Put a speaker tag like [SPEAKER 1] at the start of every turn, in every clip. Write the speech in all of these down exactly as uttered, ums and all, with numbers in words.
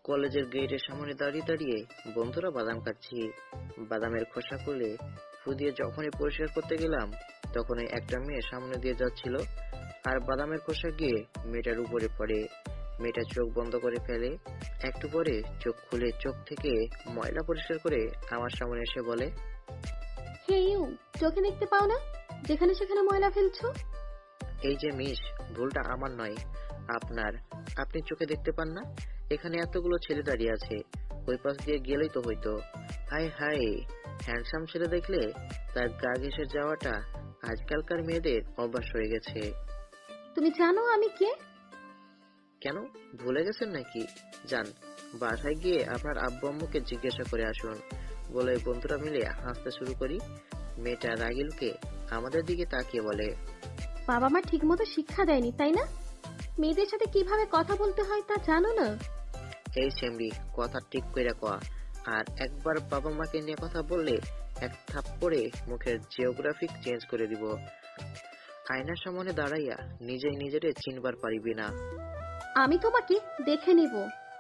[SPEAKER 1] কলেজের গেটের সামনে দাঁড়িয়ে দাঁড়িয়ে বন্ধুরা বাদাম খাচ্ছি। বাদামের খোসা খুলে ফু দিয়ে যখনই পরিষ্কার করতে গেলাম, তখনই একটা মেয়ে সামনে দিয়ে যাচ্ছিল, আর বাদামের খোসা গিয়ে মেয়েটার উপরে পড়ে। মেয়েটা চোখ বন্ধ করে ফেলে। একটু পরে চোখ খুলে চোখ থেকে ময়লা পরিষ্কার করে আমার সামনে এসে বলে,
[SPEAKER 2] হে ইউ, চোখে দেখতে পাও না যেখানে সেখানে ময়লা ফেলছো?
[SPEAKER 1] এই যে মিস, ভুলটা আমার নয়, আপনার। আপনি চোখে দেখতে পান না? এখানে এতগুলো ছেলে দাঁড়িয়ে আছে, ওই পাশ দিয়ে গেলেই তো হইতো। হাই হাই, হ্যান্ডসাম ছেলে দেখলে তার গা ঘেঁষে যাওয়াটা আজকালকার মেয়েদের অভ্যাস হয়ে গেছে।
[SPEAKER 2] তুমি জানো আমি কে?
[SPEAKER 1] কেন, ভুলে গেছেন নাকি? যান, বাসায় গিয়ে আপনার আব্বু আম্মুকে জিজ্ঞাসা করে আসুন, বলে বন্ধুরা মিলে হাসতে শুরু করি। মেয়েটা রাগিলকে আমাদের দিকে তাকিয়ে বলে,
[SPEAKER 2] বাবা মা ঠিক মতো শিক্ষা দেয়নি তাই না? মেয়েদের সাথে কিভাবে কথা বলতে হয় তা জানো না?
[SPEAKER 1] এই সেমরি, কথা ঠিক কইরা কয়া, আর একবার বাবা মাকে নিয়ে কথা বললে এক থাপ্পড়ে মুখের জিওগ্রাফিক চেঞ্জ করে দিব। আয়নার সামনে দাঁড়াইয়া নিজেই নিজেরে চিনবার পারিবি না।
[SPEAKER 2] আমি তোমাকে দেখে নিব।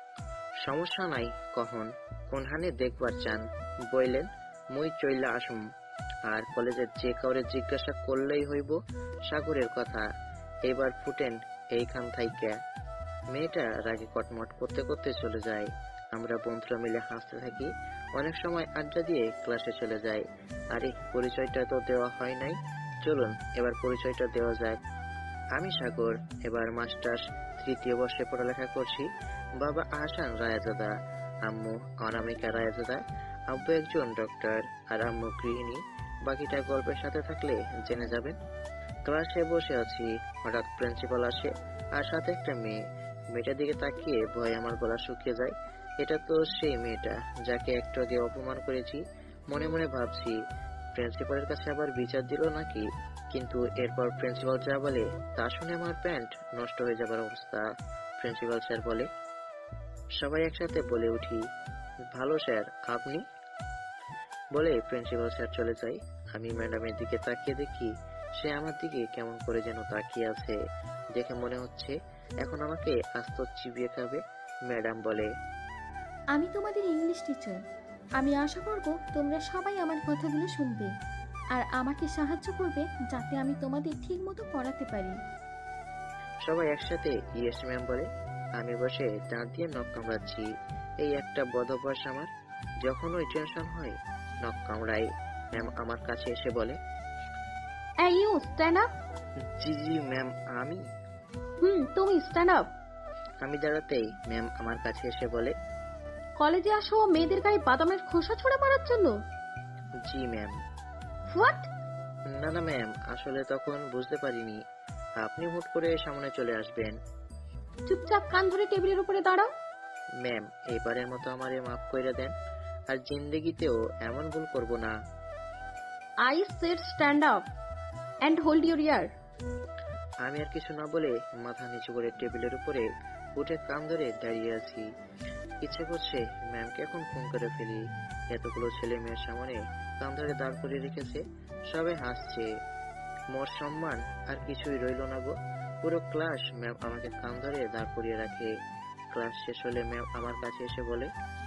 [SPEAKER 1] সমস্যা নাই, কখন কোনখানে দেখবার চান বইলেন, মুই চইলা আসুম। আর কলেজের যে কাউরে জিজ্ঞাসা করলেই হইব সাগরের কথা। এবার ফুটেন এইখান থাইকা। মেয়েটা রাগে কটমট করতে করতে চলে যায়। আমরা বন্ধুরা মিলে হাসতে থাকি। অনেক সময় আড্ডা দিয়ে ক্লাসে চলে যাই। আরে, পরিচয়টা তো দেওয়া হয় নাই, চলুন এবার পরিচয়টা দেওয়া যাক। আমি সাগর, এবার মাস্টার্স তৃতীয় বর্ষে পড়ালেখা করছি। বাবা আহসান রায়জাদা, আম্মু অনামিকা রায়জাদা। আব্বু একজন ডক্টর আর আম্মু গৃহিণী। বাকিটা গল্পের সাথে থাকলে জেনে যাবেন। ক্লাসে বসে আছি, হঠাৎ প্রিন্সিপাল আসে আর সাথে একটা মেয়ে। মেয়েটার দিকে তাকিয়ে ভয়ে আমার গলা শুকিয়ে যায়। এটা তো সেই মেয়েটা যাকে একটু আগে অপমান করেছি। মনে মনে ভাবছি, প্রিন্সিপালের কাছে আবার বিচার দিল নাকি। কিন্তু এরপর প্রিন্সিপাল যা বলে তা শুনে আমার প্যান্ট নষ্ট হয়ে যাবার অবস্থা। প্রিন্সিপাল স্যার বলে, সবাই একসাথে বলে উঠি, ভালো স্যার, আপনি? বলে প্রিন্সিপাল স্যার চলে যায়। আমি ম্যাডামের দিকে তাকিয়ে দেখি সে আমার দিকে কেমন করে যেন তাকিয়ে আছে। দেখে মনে হচ্ছে এখন আমাকে আস্ত চিবিয়ে খাবে। ম্যাডাম বলে,
[SPEAKER 2] আমি তোমাদের ইংলিশ টিচার। আমি আশা করব তোমরা সবাই আমার কথাগুলো শুনবে আর আমাকে সাহায্য করবে যাতে আমি তোমাদের ঠিক মতো পড়াতে পারি।
[SPEAKER 1] সবাই একসাথে ইয়েস ম্যাম বলে। আমি বসে দাঁত দিয়ে নখ কামড়াচ্ছি। এই একটা বদ অভ্যাস আমার, যখন ওই টেনশন হয় নখ কামড়াই। ম্যাম আমার কাছে এসে বলে,
[SPEAKER 2] এই ইউ, স্ট্যান্ড আপ।
[SPEAKER 1] জি জি ম্যাম, আমি
[SPEAKER 2] হুম, তুমি স্ট্যান্ড আপ।
[SPEAKER 1] আমি দাঁড়াতেই ম্যাম আমার কাছে এসে বলে,
[SPEAKER 2] কলেজে আসো মেয়েদের গায়ে বাদামের খোসা ছুঁড়ে মারার জন্য?
[SPEAKER 1] জি ম্যাম।
[SPEAKER 2] হোয়াট?
[SPEAKER 1] না না ম্যাম, আসলে তখন বুঝতে পারিনি আপনি হুট করে সামনে চলে আসবেন।
[SPEAKER 2] চুপচাপ কান ধরে টেবিলের উপরে দাঁড়াও।
[SPEAKER 1] ম্যাম, এবারের মতো আমারে মাফ করে দেন, আর জিন্দেগিতেও এমন ভুল করব না।
[SPEAKER 2] I said stand up and hold your ear.
[SPEAKER 1] আমি আর কিছু না বলে মাথা নিচু করে টেবিলের উপরে উঠে কান ধরে দাঁড়িয়ে আছি। ইচ্ছে করছে ম্যামকে এখন ফোন করে ফেলি। এতগুলো ছেলে মেয়ের সামনে কান ধরে দাঁড় করে রেখেছে, সবাই হাসছে। মোর সম্মান আর কিছুই রইল না গো। পুরো ক্লাস ম্যাম আমাকে কান ধরে দাঁড় করিয়ে রাখে। ক্লাস শেষ হলে ম্যাম আমার কাছে এসে বলে,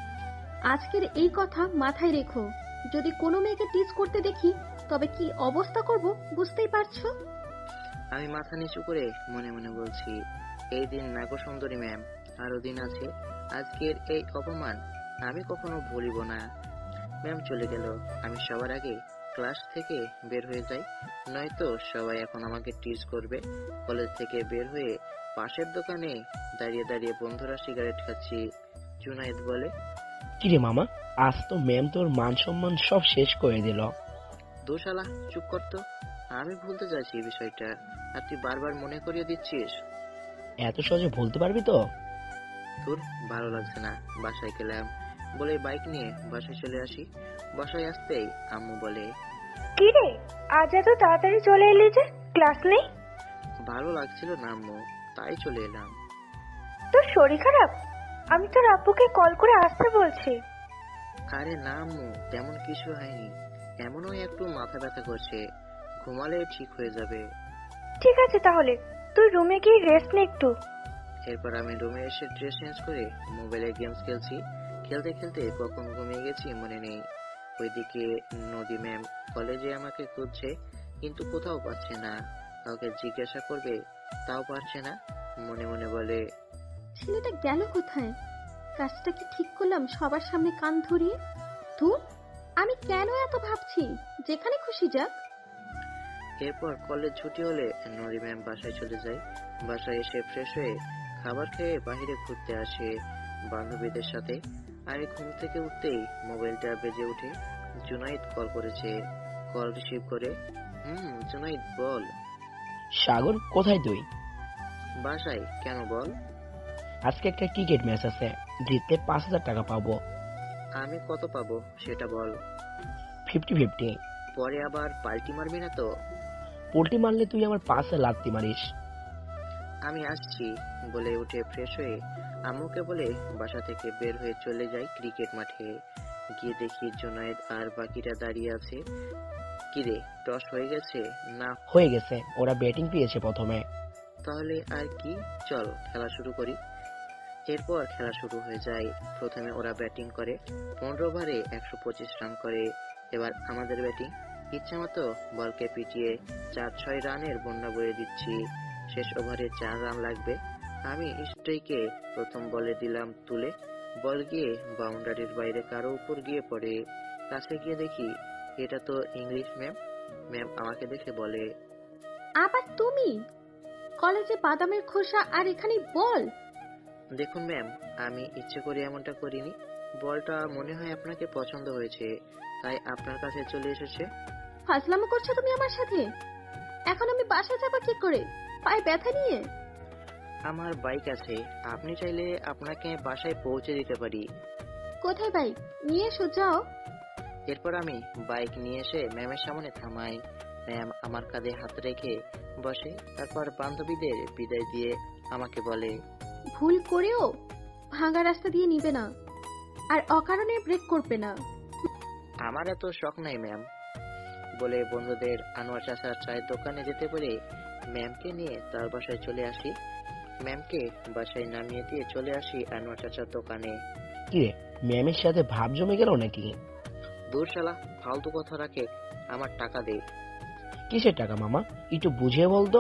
[SPEAKER 2] আজকের এই কথা মাথায় রেখো। যদি কোনো মেয়েকে টিজ করতে দেখি তবে কি অবস্থা করব বুঝতেই পারছো।
[SPEAKER 1] আমি মাথা নিচু করে মনে মনে বলছি, এই দিন নাগো সুন্দরী ম্যাম, আরো দিন আছে। আজকের এই অপমান আমি কখনো ভুলিব না। ম্যাম চলে গেল। আমি সবার আগে ক্লাস থেকে বের হয়ে যাই, নয়তো সবাই এখন আমাকে টিজ করবে। কলেজ থেকে বের হয়ে পাশের দোকানে দাঁড়িয়ে দাঁড়িয়ে বন্ধুরা সিগারেট খাচ্ছি। জুনায়েদ বলে,
[SPEAKER 3] কিরে মামা, আজ তো ম্যাম তোর মান সম্মান সব শেষ করে দিল।
[SPEAKER 1] দোশালা, চুপ করতো। আমি ভুলতে চাইছি এই বিষয়টা, আর তুই বারবার মনে করিয়ে দিচ্ছিস।
[SPEAKER 3] এত সহজে ভুলতে পারবি তো?
[SPEAKER 1] তোর ভালো লাগছে না, বাসায় গেলাম বলে বাইক নিয়ে বাসায় চলে আসি। বাসায় আসতেই আম্মু বলে,
[SPEAKER 4] কি রে, আজ এত তাড়াতাড়ি চলে এলি যে, ক্লাস নেই?
[SPEAKER 1] ভালো লাগছিল না আম্মু, তাই চলে এলাম।
[SPEAKER 4] তোর শরীর খারাপ? আমি তোর আব্বুকে কল করে আসতে বলছি।
[SPEAKER 1] আরে না আম্মু, তেমন কিছু হয়নি, এমনও একটু মাথা ব্যথা করছে, ঘুমালে ঠিক হয়ে যাবে।
[SPEAKER 4] ঠিক আছে তাহলে, তুই রুমে গিয়ে রেস্ট নে একটু।
[SPEAKER 1] এরপর আমি রুমে এসে ড্রেস চেঞ্জ করে মোবাইলে গেমস খেলছি। খেলতে খেলতে কখন ঘুমিয়ে গেছি মনে নেই। ওইদিকে নদী ম্যাম কলেজে আমাকে খুঁজছে, কিন্তু কোথাও পাচ্ছে না। কাউকে জিজ্ঞাসা করবে তাও পারছে না। মনে মনে বলে,
[SPEAKER 2] ছেলেটা গেল কোথায়? কাজটা কি ঠিক করলাম সবার সামনে কান ধরিয়ে? ধুর, আমি কেন এত ভাবছি? যেখানে খুশি যাক।
[SPEAKER 1] এরপর কলেজ ছুটি হলে নদী ম্যাম বাসায় চলে যায়। বাসায় এসে ফ্রেশ হয়ে খাবার খেয়ে বাইরে ঘুরতে আসে বান্ধবীদের সাথে। আমি ঘুম থেকে উঠতেই মোবাইলটা বেজে ওঠে। জুনাইদ কল করেছে। কল রিসিভ করে, হুম জুনাইদ বল।
[SPEAKER 3] সাগর, কোথায় তুই?
[SPEAKER 1] বাসায়। কেন বল?
[SPEAKER 3] আজকে একটা ক্রিকেট ম্যাচ আছে, জিতলে পাঁচ হাজার টাকা পাবো।
[SPEAKER 1] আমি কত পাবো সেটা বল।
[SPEAKER 3] Fifty fifty.
[SPEAKER 1] পরে আবার পাল্টি মারবি না তো?
[SPEAKER 3] পোল্টি মারলে তুই আমার পাশে লাত্তি মারিস।
[SPEAKER 1] আমি আসছি বলে উঠে ফ্রেশ হয়ে আম্মুকে বলে বাসা থেকে বের হয়ে চলে যাই ক্রিকেট মাঠে। গিয়ে দেখি জুনায়েদ আর বাকিরা দাঁড়িয়ে আছে। কিরে, টস হয়ে গেছে? না।
[SPEAKER 3] হয়ে গেছে, ওরা ব্যাটিং পেয়েছে প্রথমে।
[SPEAKER 1] তাহলে আর কি, চল খেলা শুরু করি। এরপর খেলা শুরু হয়ে যায়। প্রথমে ওরা ব্যাটিং করে, পনেরো ওভারে একশো পঁচিশ রান করে। এবার আমাদের ব্যাটিং। ইচ্ছা মতো বলকে পিটিয়ে চার ছয় রানের বন্যা বয়ে দিচ্ছি। শেষ ওভারে চার রান লাগবে। আমি স্ট্রাইকে প্রথম বলে দিলাম তুলে। বল গিয়ে বাউন্ডারির বাইরে কারো উপর গিয়ে পড়ে। কাছে গিয়ে দেখি এটা তো ইংলিশ ম্যাম। ম্যাম আমাকে দেখে বলে,
[SPEAKER 2] আবার তুমি? কলেজে বাদামের খোসা আর এখানে বল?
[SPEAKER 1] দেখুন ম্যাম, আমি ইচ্ছে করে এমনটা করিনি। বলটা মনে হয় আপনাকে পছন্দ হয়েছে, তাই আপনার কাছে চলে এসেছে।
[SPEAKER 2] ফাজলামো করছো তুমি আমার সাথে? এখন আমি বাসায় যাবো কি করে, পায়ে ব্যথা নিয়ে?
[SPEAKER 1] আমার বাইক আছে, আপনি চাইলে আপনাকে বাসায় পৌঁছে দিতে পারি।
[SPEAKER 2] কোথায় বাইক? নিয়ে এসো, যাও।
[SPEAKER 1] এরপর আমি বাইক নিয়ে এসে ম্যামের সামনে থামাই। ম্যাম আমার কাঁধে হাত রেখে বসে। তারপর বান্ধবীদের বিদায় দিয়ে আমাকে বলে,
[SPEAKER 2] ভুল করেও ভাঙা রাস্তা দিয়ে নিবে না, আর অকারণে ব্রেক করবে না।
[SPEAKER 1] আমার এত শখ নাই ম্যাম। বলে বন্ধুদের আনোয়ার চাচার চায়ের দোকানে যেতে পেরে ম্যামকে নিয়ে তার বাসায় চলে আসি। ম্যামকে বাসায় নামিয়ে দিয়ে চলে আসি আনোয়ার চাচার দোকানে।
[SPEAKER 3] কিরে, ম্যামের সাথে ভাব জমে গেল নাকি?
[SPEAKER 1] দূর শালা, ফালতু কথা রাখে, আমার টাকা দে।
[SPEAKER 3] কিসের টাকা মামা, একটু বুঝিয়ে বলতো।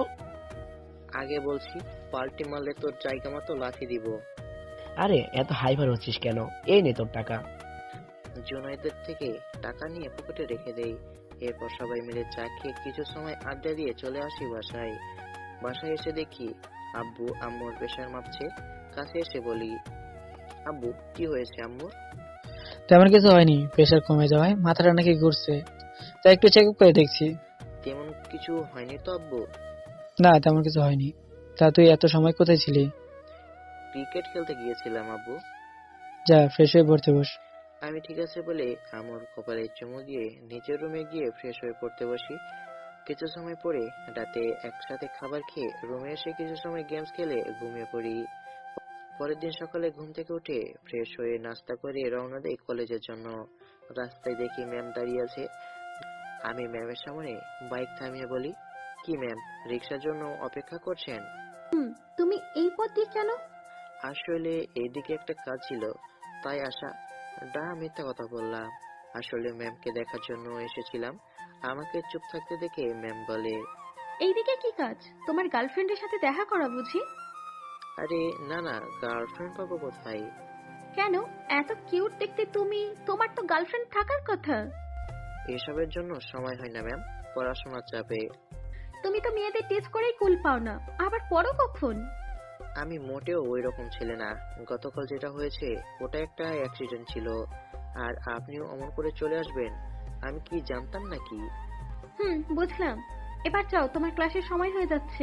[SPEAKER 1] আগে বলছি, পাল্টি মারলে তোর জায়গা মতো লাথি দিব।
[SPEAKER 3] আরে এত হাইপার হচ্ছিস কেন? এই নে তোর টাকা।
[SPEAKER 1] জুনাইদের থেকে টাকা নিয়ে পকেটে রেখে দেই। এরপর সবাই মিলে চা খেয়ে কিছু সময় আড্ডা দিয়ে চলে আসি বাসায়। বাসায় এসে দেখি আব্বু আম্মুর প্রেশার মাপছে। কাছে এসে বলি, আব্বু কি হয়েছে আম্মুর?
[SPEAKER 5] তেমন কিছু হয়নি, প্রেশার কমে যাওয়ায় মাথাটা নাকি ঘুরছে, তাই একটু চেক আপ করে দেখছি।
[SPEAKER 1] তেমন কিছু হয়নি তো আব্বু?
[SPEAKER 5] না, তেমন কিছু হয়নি। তা তুই এত সময় কোথায় ছিলি?
[SPEAKER 1] ক্রিকেট খেলতে গিয়েছিলাম আব্বু।
[SPEAKER 5] যা, ফ্রেশ হয়ে পড়তে বস।
[SPEAKER 1] আমি ঠিক আছে বলে আম্মুর কপালে চুমু দিয়ে নিচের রুমে গিয়ে ফ্রেশ হয়ে পড়তে বসি। কিছু সময় পরে রাতে একসাথে খাবার খেয়ে রুমে এসে কিছু সময় গেমস খেলে ঘুমিয়ে পড়ি। পরের দিন সকালে ঘুম থেকে উঠে ফ্রেশ হয়ে নাস্তা করে রওনা দেই কলেজের জন্য। রাস্তায় দেখি ম্যাম দাঁড়িয়ে আছে। আমি ম্যামের সামনে বাইক থামিয়ে বলি, কি ম্যাম, রিক্সার জন্য অপেক্ষা করছেন?
[SPEAKER 2] হুম, তুমি এই পথ দিয়ে কেন?
[SPEAKER 1] আসলে এইদিকে একটা কাজ ছিল, তাই আসা। ডা মিথ্যা কথা বললাম, আসলে ম্যামকে দেখার জন্য এসেছিলাম। আমাকে চুপ থাকতে দেখে ম্যাম বলে,
[SPEAKER 2] এইদিকে কি কাজ? তোমার গার্লফ্রেন্ডের সাথে দেখা করা বুঝি?
[SPEAKER 1] আরে না না, গার্লফ্রেন্ড পাবো কোথায়?
[SPEAKER 2] কেন, এত কিউট দেখতে তুমি, তোমার তো গার্লফ্রেন্ড থাকার কথা।
[SPEAKER 1] এসবের জন্য সময় হয় না ম্যাম, পড়াশোনার চাপে।
[SPEAKER 2] তুমি তো মেয়েদের টেস্ট করেই কুল পাও না, আবার পড়ো কখন?
[SPEAKER 1] আমি মোটেও ওই রকম ছেলে না। গতকাল যেটা হয়েছে ওটা একটা অ্যাক্সিডেন্ট ছিল, আর আপনিও অমন করে চলে আসবেন আমি কি জানতাম নাকি?
[SPEAKER 2] হুম, বুঝলাম। এবার যাও, তোমার ক্লাসের সময় হয়ে যাচ্ছে।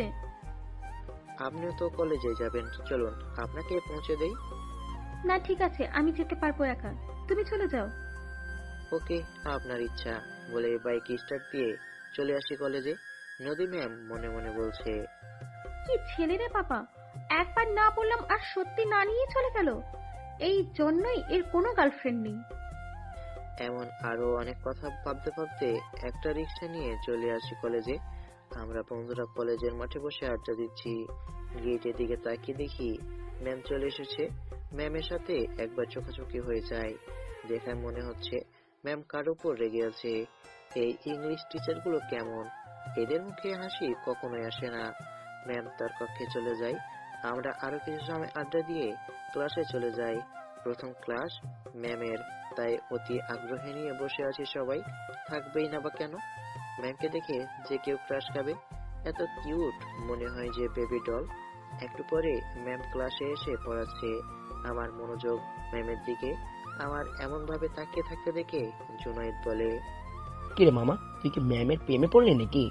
[SPEAKER 1] আপনিও তো কলেজে যাবেন, চলুন আপনাকে পৌঁছে দেই।
[SPEAKER 2] না ঠিক আছে, আমি যেতে পারবো একা, তুমি চলে যাও।
[SPEAKER 1] ওকে, আপনার ইচ্ছা বলে বাইক স্টার্ট দিয়ে চলে আসি কলেজে। নদী ম্যাম মনে মনে বলছে,
[SPEAKER 2] কি ছেলে রে বাবা, একবার না বললাম আর সত্যি না নিয়ে চলে গেল। এই জন্যই এর কোনো গার্লফ্রেন্ড নেই।
[SPEAKER 1] এমন আরো অনেক কথা ভাবতে ভাবতে একটা রিক্সা নিয়ে চলে আসি কলেজে। আমরা বন্ধুরা কলেজের মাঠে বসে আড্ডা দিচ্ছি। গেটের দিকে তাকিয়ে দেখি ম্যাম চলে এসেছে। ম্যামের সাথে একবার চোখাচোখি হয়ে যায়। দেখায় মনে হচ্ছে ম্যাম কার উপর রেগে আছে। এই ইংলিশ টিচারগুলো কেমন, এদের মুখে হাসি কখনোই আসে না। ম্যাম তার কক্ষে চলে যায়। আমরা আরো কিছু সময় আড্ডা দিয়ে ক্লাসে চলে যাই। প্রথম ক্লাস ম্যামের, তাই অতি আগ্রহে নিয়ে বসে আছি সবাই। থাকবেই না বা কেন, ম্যামকে দেখে যে কেউ ক্রাশ খাবে। এত কিউট, মনে হয় যে বেবি ডল। একটু পরে ম্যাম ক্লাসে এসে পড়াচ্ছে। আমার মনোযোগ ম্যামের দিকে। আমার এমন ভাবে তাকিয়ে থাকতে দেখে জুনায়েদ বলে,
[SPEAKER 3] কিরে মামা, তুই কি ম্যামের প্রেমে পড়লি নাকি?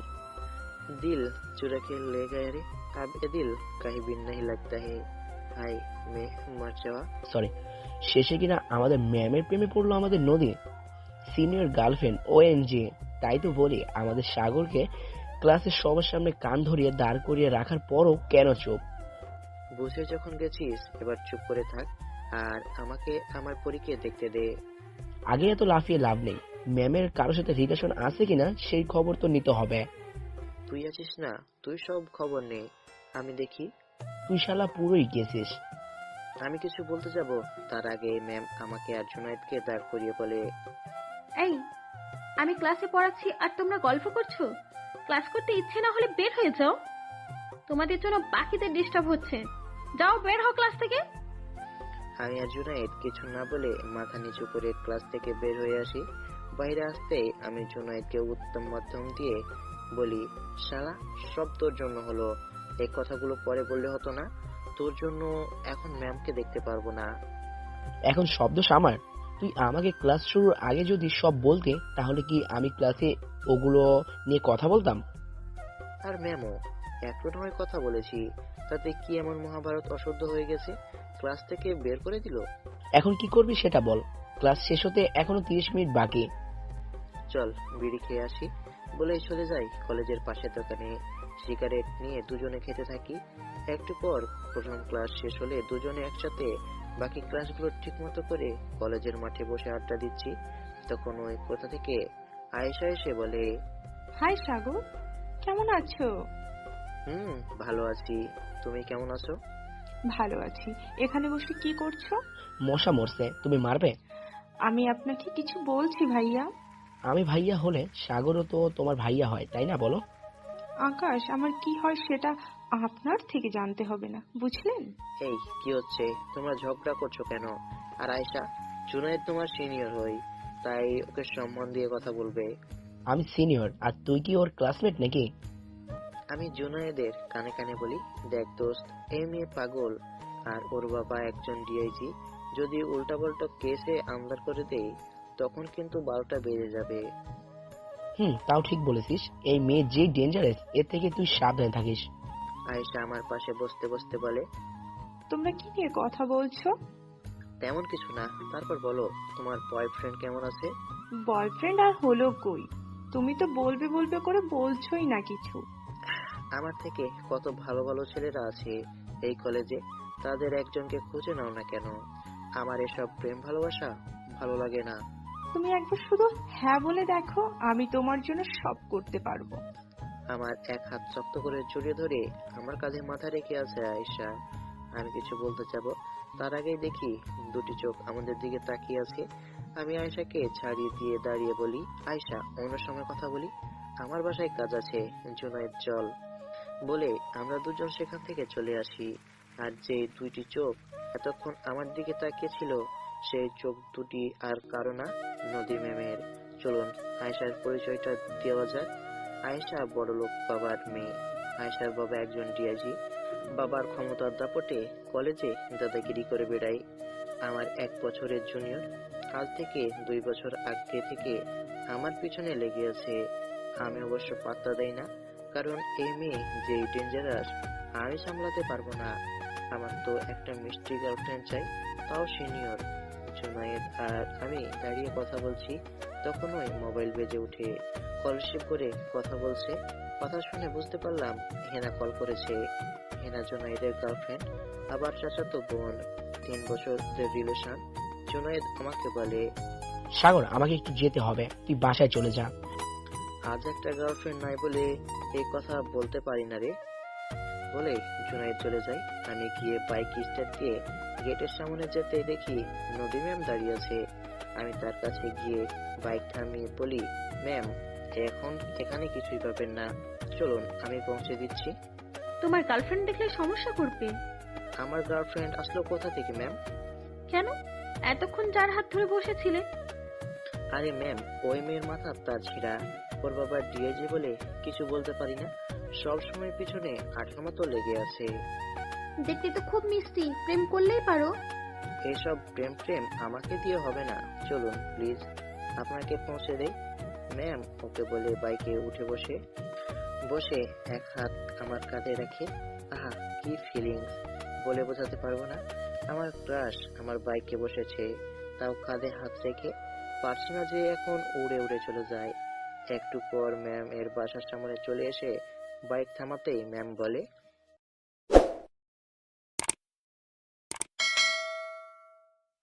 [SPEAKER 1] दिल चुरा के ले गए रे, अब ये दिल कहीं भी नहीं लगता है। हाय मैं मर जावा।
[SPEAKER 3] সরি, শেষে কিনা আমাদের ম্যামের প্রেমে পড়লো আমাদের নদী, সিনিয়র গার্লফ্রেন্ড ও এন জি। তাই তো বলি, আমাদের সাগরকে ক্লাসের সবার সামনে কান ধরিয়ে দাঁড় করিয়ে রাখার পরও কেন চুপ?
[SPEAKER 1] বুঝে যখন গেছিস এবার চুপ করে থাক আর আমাকে আমার পরীকে দেখতে দে।
[SPEAKER 3] আগে এত লাফিয়ে লাভ নেই। ম্যামের কারোর সাথে রিলেশন আছে কিনা সেই খবর তো নিতে হবে।
[SPEAKER 1] তুই আছিস না, তুই সব খবর নে, আমি দেখি।
[SPEAKER 3] তুই শালা পুরোই গেছিস।
[SPEAKER 1] আমি কিছু বলতে যাব তার আগে ম্যাম আমাকে আর জুনায়েদকে দাঁড় করিয়ে বলে,
[SPEAKER 2] এই, আমি ক্লাসে পড়াচ্ছি আর তোমরা গল্প করছো? ক্লাস করতে ইচ্ছে না হলে বের হয়ে যাও। তোমাদের জন্য বাকিদের ডিস্টার্ব হচ্ছে। যাও, বের হও ক্লাস থেকে।
[SPEAKER 1] আমি আর জুনায়েদ কিছু না বলে মাথা নিচু করে ক্লাস থেকে বের হয়ে আসি। বাইরে আসতেই আমি জুনায়েদকে উত্তম মাধ্যম দিয়ে বলি, শালা সব তোর জন্য হলো। এই কথাগুলো পরে বললে হতো না? তোর জন্য এখন ম্যামকে দেখতে পারবো না।
[SPEAKER 3] এখন শব্দ আমার। তুই আমাকে ক্লাস শুরুর আগে যদি সব বলতে, তাহলে কি আমি ক্লাসে ওগুলো নিয়ে কথা বলতাম?
[SPEAKER 1] আর ম্যামও একটু নয় কথা বলেছি, তাতে কি এমন মহাভারত অশুদ্ধ হয়ে গেছে ক্লাস থেকে বের করে দিল?
[SPEAKER 3] এখন কি করবি সেটা বল। ক্লাস শেষ হতে এখনো তিরিশ মিনিট বাকি।
[SPEAKER 1] চল বিড়ি খেয়ে আসি বলেই চলে যাই কলেজের পাশের দোকানে। সিগারেট নিয়ে দুজনে খেতে থাকি। একটু পর প্রথম ক্লাস শেষ হলে দুজনে একসাথে বাকি ক্লাসগুলো ঠিক মতো করে কলেজের মাঠে বসে আড্ডা দিচ্ছি। তখন ওই কোথা থেকে আয়েশা এসে বলে,
[SPEAKER 4] হাই সাগর, কেমন আছো?
[SPEAKER 1] হুম ভালো আছি, তুমি কেমন আছো?
[SPEAKER 4] ভালো আছি। এখানে বসে কি করছো?
[SPEAKER 3] মশা মরছে, তুমি মারবে?
[SPEAKER 4] আমি আপনাকে কিছু বলছি ভাইয়া।
[SPEAKER 3] আমি ভাইয়া হলে সাগরও তো তোমার ভাইয়া হয়, তাই না? বলো।
[SPEAKER 4] আকাশ, আমার কি হয় সেটা আপনার থেকে জানতে হবে না, বুঝলেন?
[SPEAKER 1] এই কি হচ্ছে, তোমরা ঝগড়া করছো কেন? আর আয়েশা, জুনায়েদ তোমার সিনিয়র হই, তাই ওকে সম্মান দিয়ে কথা বলবে।
[SPEAKER 3] আমি সিনিয়র, আর তুই কি ওর ক্লাসমেট নাকি?
[SPEAKER 1] আমি জুনায়েদের কানে কানে বলি, দেখ দোস্ত, এই মেয়ে পাগল আর ওর বাবা একজন ডিআইজি। যদি উল্টাপাল্টা কেসে আমদার করে দেয় তখন কিন্তু বারোটা বেজে যাবে।
[SPEAKER 3] হুম, তাও ঠিক বলেছিস। এই মেয়ে যে ডেঞ্জারাস, এর থেকে তুই সাবধানে থাকিস।
[SPEAKER 1] আয়েশা আমার পাশে বসতে বসতে বলে,
[SPEAKER 4] তোমরা কি নিয়ে কথা বলছো?
[SPEAKER 1] তেমন কিছু না, তারপর বলো তোমার বয়ফ্রেন্ড কেমন আছে?
[SPEAKER 4] বয়ফ্রেন্ড আর হলো কই? তুমি তো বলবে বলবে করে বলছোই না কিছু।
[SPEAKER 1] আমার থেকে কত ভালো ভালো ছেলেরা আছে এই কলেজে, তাদের একজনকে খুঁজে নাও না কেন? আমার এসব প্রেম ভালোবাসা ভালো লাগে না।
[SPEAKER 4] তুমি একবার শুধু হ্যাঁ বলে দেখো, আমি তোমার জন্য সব করতে পারবো।
[SPEAKER 1] আমার এক হাত শক্ত করে জড়িয়ে ধরে আমার কাঁধে মাথা রেখে আছে আয়েশা। আমি কিছু বলতে যাব, তার আগেই দেখি দুটি চোখ আমাদের দিকে তাকিয়ে আছে। আমি আয়েশাকে ছাড়িয়ে দিয়ে দাঁড়িয়ে বলি, আয়েশা অন্য সময় কথা বলি, আমার বাসায় কাজ আছে, জুনায়েদ চল। বলে আমরা দুজন সেখান থেকে চলে আসি। আর যে দুইটি চোখ এতক্ষণ আমার দিকে তাকিয়ে ছিল, সেই চোখ দুটি আর কারো না, নদী ম্যামের। চলুন আয়েশার পরিচয়টা দেওয়া যাক। আয়েশা বড়লোক বাবার মেয়ে। আয়েশার বাবা একজন ডিআইজি। বাবার ক্ষমতার দাপটে কলেজে দাদাগিরি করে বেড়ায়। আমার এক বছরের জুনিয়র। আজ থেকে দুই বছর আগে থেকে আমার পিছনে লেগে আছে। আমি অবশ্য পাত্তা দেই না, কারণ এই মেয়ে যে ডেঞ্জারাস আমি সামলাতে পারবো না। আমার তো একটা মিষ্টি গার্লফ্রেন্ড চাই, তাও সিনিয়র। জুনায়েদ আর আমি দাঁড়িয়ে কথা বলছি, তখনই মোবাইল বেজে উঠে। কল রিসিভ করে কথা বলছে। কথা শুনে বুঝতে পারলাম হেনা কল করেছে। হেনা জুনায়েদের গার্লফ্রেন্ড, আবার চাচাতো বোন, তিন বছরের রিলেশন। জুনায়েদ আমাকে বলে,
[SPEAKER 3] সাগর, আমাকে একটু যেতে হবে, তুই বাসায় চলে যা।
[SPEAKER 1] আজ একটা গার্লফ্রেন্ড নাই বলে এই কথা বলতে পারি না রে। বলে জুনাইদ চলে যায়। আমি গিয়ে বাইক স্টার্ট দিয়ে গেটের সামনে যেতে দেখি নদী ম্যাম দাঁড়িয়ে আছে। আমি তার কাছে গিয়ে বাইক থামিয়ে বলি, ম্যাম এখন এখানে কিছুই পাবেন না, চলুন আমি পৌঁছে দিচ্ছি।
[SPEAKER 2] তোমার গার্লফ্রেন্ড দেখলে সমস্যা করবে।
[SPEAKER 1] আমার গার্লফ্রেন্ড আসলো কোথা থেকে ম্যাম?
[SPEAKER 2] কেন? এতক্ষণ যার হাত ধরে বসেছিলে?
[SPEAKER 1] আরে ম্যাম, ওই মেয়ের মাথা তার ছিঁড়া, ওর বাবা ডিআইজি বলে কিছু বলতে পারি না, সব সময় পিছনে আঠার মতো লেগে আছে।
[SPEAKER 2] দেখতে তো খুব মিষ্টি, প্রেম করলেই পারো।
[SPEAKER 1] এইসব প্রেম প্রেম আমাকে দিয়ে হবে না, চলুন প্লিজ আপনাকে পৌঁছে দেই। ম্যাম ওকে বলে বাইকে উঠে বসে বসে এক হাত আমার কাঁধে রাখে। আহা কি ফিলিংস, বলে বোঝাতে পারবো না। আমার ক্রাশ আমার বাইকে বসেছে, তাও কাঁধে হাত রেখে। পারছি না যে এখন উড়ে উড়ে চলে যায়। একটু পর ম্যাম এর বাসার সামনে চলে এসে বাইক থামাতেই ম্যাম বলে,